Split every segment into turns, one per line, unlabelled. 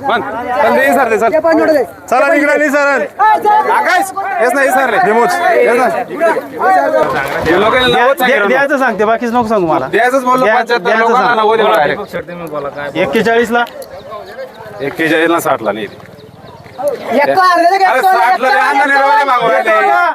पण दे सर दे सर चला निघणार नाही सर आकाश हेच नाही सर रिमोट
द्यायचं सांगते बाकीच नको सांगू मला.
द्यायचंच बोललो 75 लोकांना 90 दिला डायरेक्ट
41 ला
41 ला 60 ला नाही
अरे
60 ला आणा नाही रे मागवले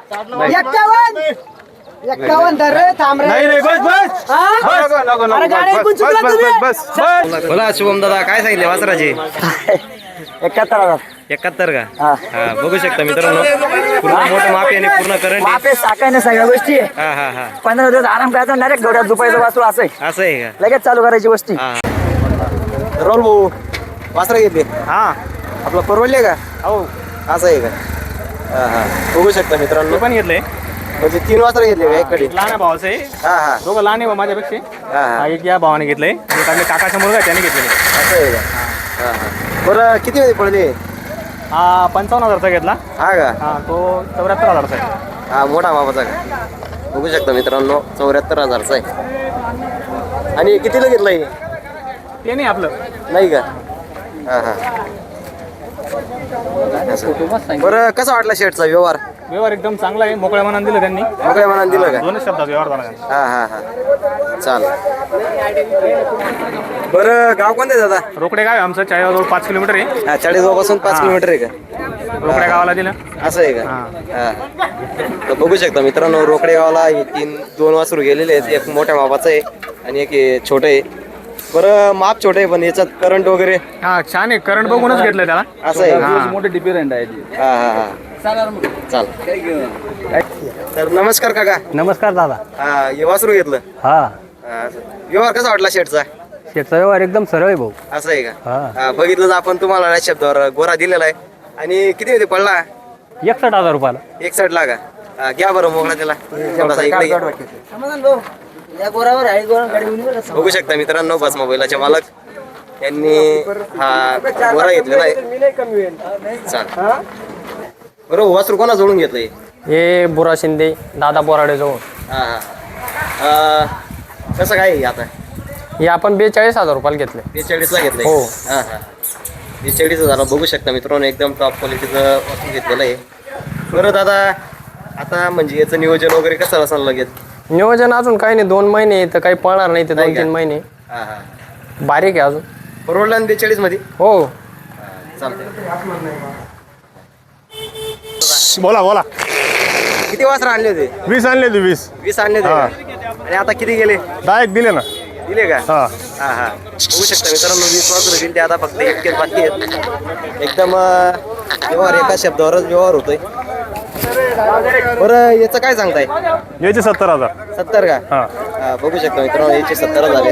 51 धर रे थांब रे.
नाही बस बस
नको
अरे गाडी ऐकून चुकला तुम्ही.
बस
बोला शुभम दादा काय सांगितले वासराचे
71,000
71 का हा बघू शकता मित्रांनो पूर्ण मोठं मापी आणि पूर्ण करंट
मापे साकायने सगळ्या गोष्टी आहे.
हा हा हा
15 दिवस आराम करायचा डायरेक्ट डोळ्यात झोपायचं वाचू असं आहे.
असं आहे का
लगेच चालू करायची गोष्टी.
हा
रोल भाऊ वासरा घेतले
हा
आपला परवडले का
हो
असं आहे का हा हा बघू शकता मित्रांनो
पण घेतलंय
म्हणजे 3 वासरा घेतले का एककडे
लहान भावाचं आहे.
हा हा
दोघं लहान आहे माझ्यापेक्षा.
हा हा
एक या भावाने घेतलंय एक आपल्या काकाचा मुलगा आहे त्याने घेतलेले.
असं आहे का हा हा बरं किती मध्ये पडले
हा 55,000चा घेतला.
हा का
हा तो 74,000चा आहे.
हा मोठा मापाचा का बघू शकता मित्रांनो 74,000चा आहे आणि कितीला घेतलाय
ते नाही आपलं.
नाही का हा हा असं. बरं कसा वाटला शेटचा व्यवहार
व्यवहार एकदम चांगला आहे. मोकळ्या मनाने दिलं त्यांनी.
मोकळ्या मनाने दिलं का
दोनच शब्दात व्यवहार झाला त्यांचा.
हा हा हा चाल बरं गाव कोणते दादा
रोकडे गाव आहे आमचं चाळीजवळ 5 किलोमीटर आहे.
हा 40 पासून 5
हा.
किलोमीटर आहे का
रोकड्या गावाला दिलं.
असं आहे का हा तर बघू शकता मित्रांनो रोकडे गावाला हे 2 वासरू गेलेले आहेत. एक मोठ्या मापाचं आहे आणि एक हे छोटं आहे. बरं माप छोटं आहे पण याच्यात करंट वगैरे
हा छान आहे. करंट बघूनच घेतलंय त्याला.
असं आहे का?
मोठे डिफरंट आहे.
हा हा हा चाल तर नमस्कार काका
नमस्कार दादा.
हा हे वासरू घेतलं
हा
हा, असं. व्यवहार कसा वाटला शेटचा
शेतचा व्यवहार एकदम सरळ आहे भाऊ.
असं आहे का
हा.
हा, बघितलं तर आपण तुम्हाला या शब्दावर गोरा दिलेला आहे आणि किती मध्ये पडला
61,000 रुपयाला.
61 ला का हा, घ्या बरं मोकळा त्याला थोडासा इकडे घ्या.
समाधान भाऊ या गोरावर आहे गोरा गाडी घेऊन बरं.
बघू शकता मित्रांनो बस मोबाईलचे मालक यांनी हा गोरा घेतलेला आहे चाल बरोबर वासरू कोणा जोडून घेतलंय
हे बुरा शिंदे दादा बोराडे जवळ.
हा हा कसं काय आहे आता
हे आपण 42,000 रुपयाला घेतले.
42 ला घेतलंय
हो.
हा हा 42,000 बघू शकता मित्रांनो एकदम टॉप क्वालिटीचं वासरू घेतलेलं आहे. बरं दादा आता म्हणजे याचं नियोजन वगैरे कसं असेल लगेच
नियोजन अजून काही नाही. 2 महिने तर काही पळणार नाही. ते
नाही का?
2-3 महिने
हा हा
बारीक आहे अजून.
परवडला 42 मध्ये
हो
चालतंय
बोला बोला
किती वासरा आणले होते
20 आणले तू 20
20 आणले होते
हा.
का? आणि आता किती गेले
डायरेक्ट दिले ना
दिले का
हा
हा हा बघू शकता मित्रांनो 20 वासरं दिले ते आता फक्त इतकेच बाकी आहेत एकदम व्यवहार एका शब्दावरच व्यवहार होतोय. बरं याचं काय सांगताय
याचे 70,000
70 का
हा
हा, बघू शकता मित्रांनो याचे 70 झाले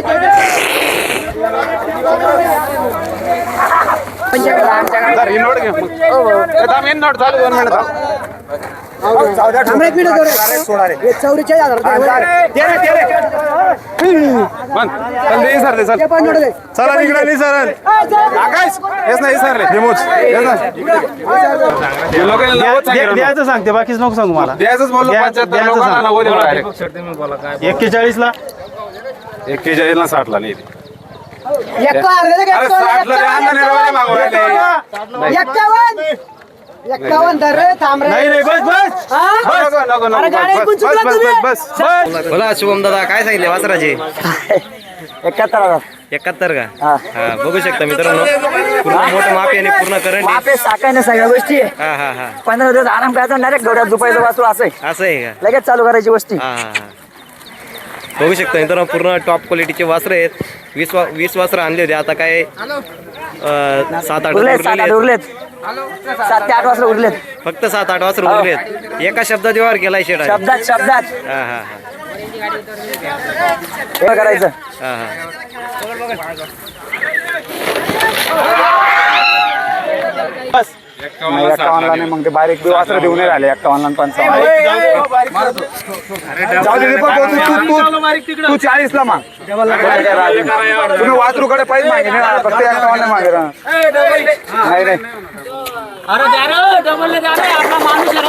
सर ही नोट घे मेन नोट चालू 2 मिनिट
थांब रे, एक मिनिट जरा. हे 44,000
पण दे सर दे सर
पण जोडले.
चला निघणार नाही सर आकाश हेच नाही सर रिमोट
द्यायचं सांगते बाकीच नको सांगू मला.
द्यायचंच बोललो 75 लोकांना 90 दिला डायरेक्ट
41 ला
41 ला 60 ला नाही
अरे
अरे 60 ला आणा नाही रे मागवले
51 धर रे थांब रे.
नाही बस बस
नको
अरे गाडी ऐकून चुकला तुम्ही.
बस
बोला शुभम दादा काय सांगितले वासराचे
71,000
71 का हा बघू शकता मित्रांनो पूर्ण मोठं मापी आणि पूर्ण करंट
मापे साकायने सगळ्या गोष्टी आहे.
हा हा हा
15 दिवस आराम करायचा डायरेक्ट डोळ्यात झोपायचं वाचू असं आहे.
असं आहे का
लगेच चालू करायची गोष्टी.
हा हा हा बघू शकता मित्रांनो पूर्ण टॉप क्वालिटीचे वासरं आहेत. 20 वासरं आणले होते आता काय 7-8
उरलेत
उरलेले
7-8
आहेत.
उरलेत 7 ते 8 वाजता उरलेत.
फक्त 7-8 वासरं उरलेत. एका शब्दात व्यवहार केलाय शेडा
शब्दात
हा हा
हे करायचं.
हा हा
बस
51 ला नाही मग ते बारीक वासरं देऊन नाही राहिले 51 आणि 55 जाऊ दे तू 40 ला माग तुम्ही वासरूकडे पाहिजे मागे नाही फक्त 51 मागे नाही नाही
अरे द्या रे डबल द्या रे आपला माणूस आहे रे.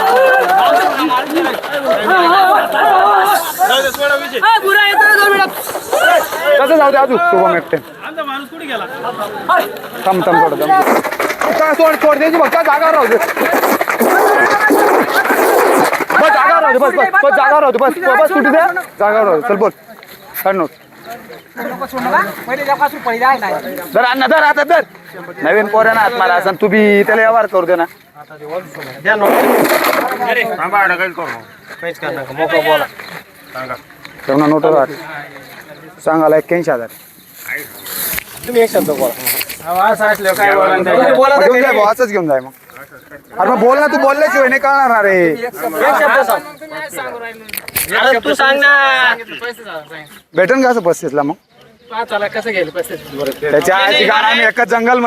गुरा येतो रे 2 मिनिट.
कसं जाऊ दे अजून शुभम एकटे
आमचा माणूस कुठे गेला
थांब थोडं सोड सोड द्यायची फक्त जागा राहू दे बस जागा राहू दे बस जागा राहू दे बस सुटी द्या जागा राहू दे चल बोल काढ नोट दर अण्णा दर आता दर नवीन पोऱ्यानं हात मारा असं तू बी त्याला व्यवहार करू दे ना तेवढा नोट सांगायला 81,000
तुम्ही एक शब्द बोला
घेऊन जाय भाऊ, असंच घेऊन जाय मग अरे मग बोल ना तू बोलल्याशिवाय नाही कळणार ना रे
अरे तू सांग ना.
भेटन का असं 35 ला मग
चला कसं गेलं 35.
त्याच्या आधी आम्ही एकच जंगल